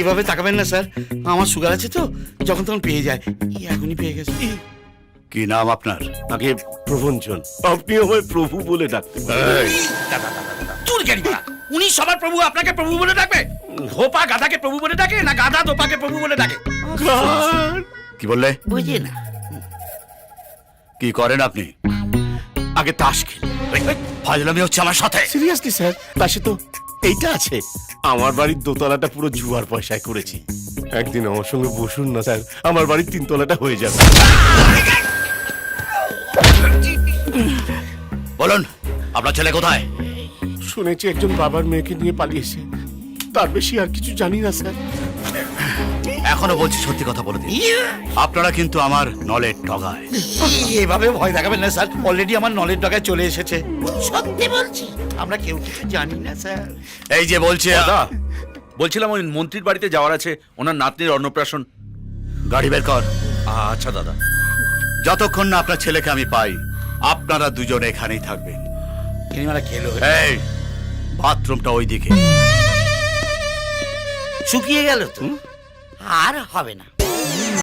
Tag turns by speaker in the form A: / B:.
A: এভাবে তাকাবেন না স্যার, আমার সুগার আছে তো, যখন তখন পেয়ে যায়, এখনই পেয়ে গেছে।
B: কি নাম আপনার?
C: আগে প্রভঞ্জন, আপনি আমায় প্রভু বলে ডাকতে পারেন।
A: চুর জ্ঞানী বাড়া, উনি সবার প্রভু, আপনাকে প্রভু বলে ডাকবে? ধোপা গাধাকে প্রভু বলে ডাকে, না গাধা ধোপাকে প্রভু বলে ডাকে?
B: কি বললে?
A: বুঝে না।
B: কি করেন আপনি?
C: আগে তাস খেলি।
B: ফাজলামি হচ্ছে আমার সাথে।
C: সিরিয়াসলি স্যার, পাশে তো এইটা আছে। আমার বাড়ির দোতলাটা পুরো জুয়ার পয়সায় করেছি। একদিন আমার সঙ্গে বসুন না স্যার, আমার বাড়ির তিনতলাটা হয়ে যাবে।
B: বলুন, আপনার ছেলে কোথায়?
C: শুনেছি একজন বাবার মেয়েকে নিয়ে পালিয়েছে, তার বেশি আর কিছু জানি না স্যার।
B: এখনো বলছি সত্যি কথা বলে দিন। আপনারা কিন্তু আমার নলের ডগায়।
A: এভাবে ভয় দেখাবেন না স্যার, অলরেডি আমার নলের ডগায় চলে এসেছে। সত্যি বলছি, আমরা কেউ কিছু জানি না স্যার।
B: এই যে বলছে
D: দাদা, বলছিলাম ওই মন্ত্রীর বাড়িতে যাওয়ার আছে, ওনার নাতনির অন্নপ্রাশন।
B: গাড়ি বের কর।
D: আচ্ছা দাদা।
B: যতক্ষণ না আপনার ছেলেকে আমি পাই, আপনারা দুজনে এখানেই থাকবেন।
A: কিনিমারা খেলো,
B: এই বাথরুমটা ওইদিকে।
A: শুকিয়ে গেল তো, আর হবে না।